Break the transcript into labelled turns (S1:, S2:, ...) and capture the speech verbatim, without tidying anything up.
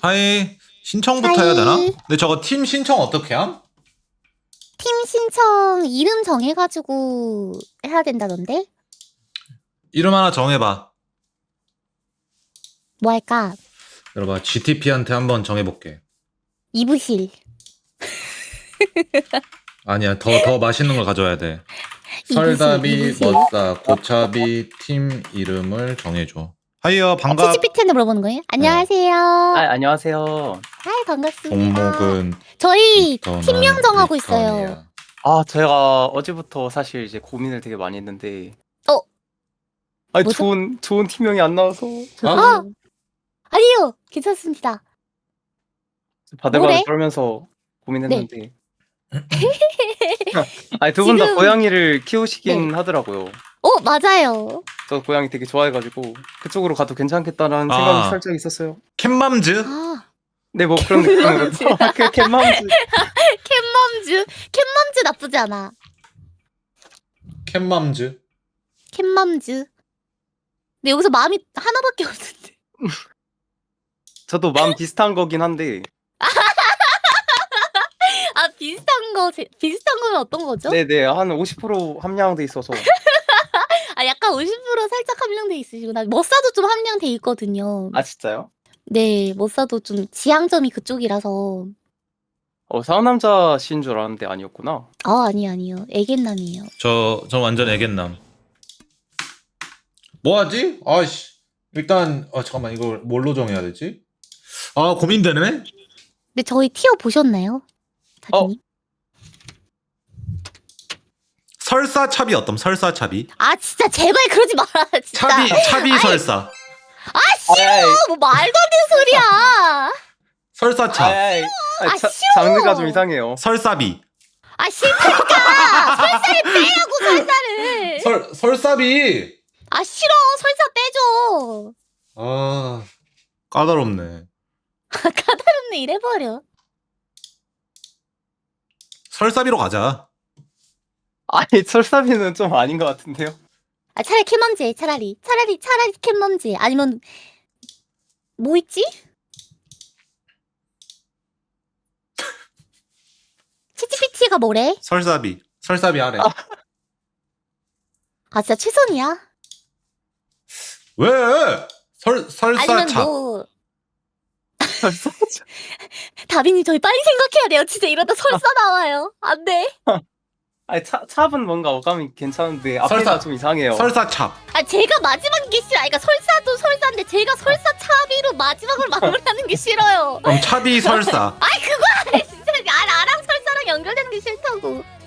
S1: 하이. 신청부터
S2: 하이.
S1: 해야 되나? 근데 저거 팀 신청 어떻게 함?
S2: 팀 신청 이름 정해가지고 해야 된다던데?
S1: 이름 하나 정해봐.
S2: 뭐 할까?
S1: 여러분 지티피한테 한번 정해볼게.
S2: 이부실.
S1: 아니야, 더 더 맛있는 걸 가져와야 돼.
S2: 이부실,
S1: 설다비,
S2: 이부실.
S1: 멋사, 고차비 팀 이름을 정해줘. 하이요, 반가.
S2: 치치피티한테 물어보는 거예요? 안녕하세요.
S3: 아, 안녕하세요.
S2: 하이, 반갑습니다.
S1: 종목은
S2: 저희
S1: 리턴은
S2: 팀명 정하고
S1: 리턴이야.
S2: 있어요.
S3: 아, 제가 어제부터 사실 이제 고민을 되게 많이 했는데.
S2: 어?
S3: 아니,
S2: 뭐죠?
S3: 좋은, 좋은 팀명이 안 나와서.
S2: 아! 아니요, 괜찮습니다.
S3: 바들바들
S2: 뭐래?
S3: 떨면서 고민했는데.
S2: 네.
S3: 아니, 두 분 다
S2: 지금-
S3: 고양이를 키우시긴 하더라고요.
S2: 어, 맞아요.
S3: 저 고양이 되게 좋아해가지고 그쪽으로 가도 괜찮겠다는
S1: 아.
S3: 생각이 살짝 있었어요.
S1: 캣맘즈?
S2: 아,
S3: 네, 뭐 그런 느낌으로. 그 캣맘즈.
S2: 캣맘즈. 캣맘즈 나쁘지 않아.
S1: 캣맘즈?
S2: 캣맘즈. 근데 여기서 마음이 하나밖에 없는데.
S3: 저도 마음 비슷한 거긴 한데.
S2: 아, 비슷한 거, 제- 비슷한 거면 어떤 거죠?
S3: 네네, 한 오십 퍼센트 함량돼 있어서.
S2: 아, 약간 오십 퍼센트 살짝 함량돼 있으시구나. 머싸도 좀 함량돼 있거든요.
S3: 아, 진짜요?
S2: 네, 머싸도 좀 지향점이 그쪽이라서.
S3: 어, 상남자신 줄 알았는데 아니었구나.
S2: 아, 아니, 아니요. 애견남이에요.
S1: 저, 저 완전 애견남. 뭐 하지? 아씨. 일단, 어, 잠깐만, 이걸 뭘로 정해야 되지? 아, 고민되네?
S2: 근데 저희 티어 보셨나요? 다빈님?
S1: 설사차비 어떤 설사차비?
S2: 아, 진짜 제발 그러지 마라, 진짜.
S1: 차비, 차비 설사.
S2: 아, 싫어!
S3: 아이,
S2: 뭐 말도 안 되는 소리야!
S1: 설사차.
S3: 아이, 아이,
S2: 아,
S3: 자-
S2: 싫어!
S3: 장르가 좀 이상해요.
S1: 설사비.
S2: 아, 싫다니까! 설사를 빼라고, 설사를!
S1: 설, 설사비!
S2: 아, 싫어! 설사 빼줘!
S1: 아, 까다롭네.
S2: 까다롭네, 이래버려.
S1: 설사비로 가자.
S3: 아니, 설사비는 좀 아닌 것 같은데요?
S2: 아, 차라리 캣맘지, 차라리. 차라리, 차라리 캣맘지. 아니면, 뭐 있지? 치치피티가 뭐래?
S1: 설사비. 설사비 하래.
S3: 아.
S2: 아, 진짜 최선이야?
S1: 왜? 설,
S2: 아니면
S1: 설사차.
S2: 뭐,
S3: 설사.
S2: 다빈이 저희 빨리 생각해야 돼요. 진짜 이러다 설사 나와요. 안 돼.
S3: 아니, 차, 찹은 뭔가 어감이 괜찮은데 앞에가
S1: 설사.
S3: 좀 이상해요.
S1: 설사찹.
S2: 아, 제가 마지막인 게 싫어. 아, 그러니까 설사도 설사인데 제가 설사 차비로 마지막으로 마무리하는 게 싫어요.
S1: 그럼 차비 설사.
S2: 아이, 그거 진짜 나, 나랑 설사랑 연결되는 게 싫다고.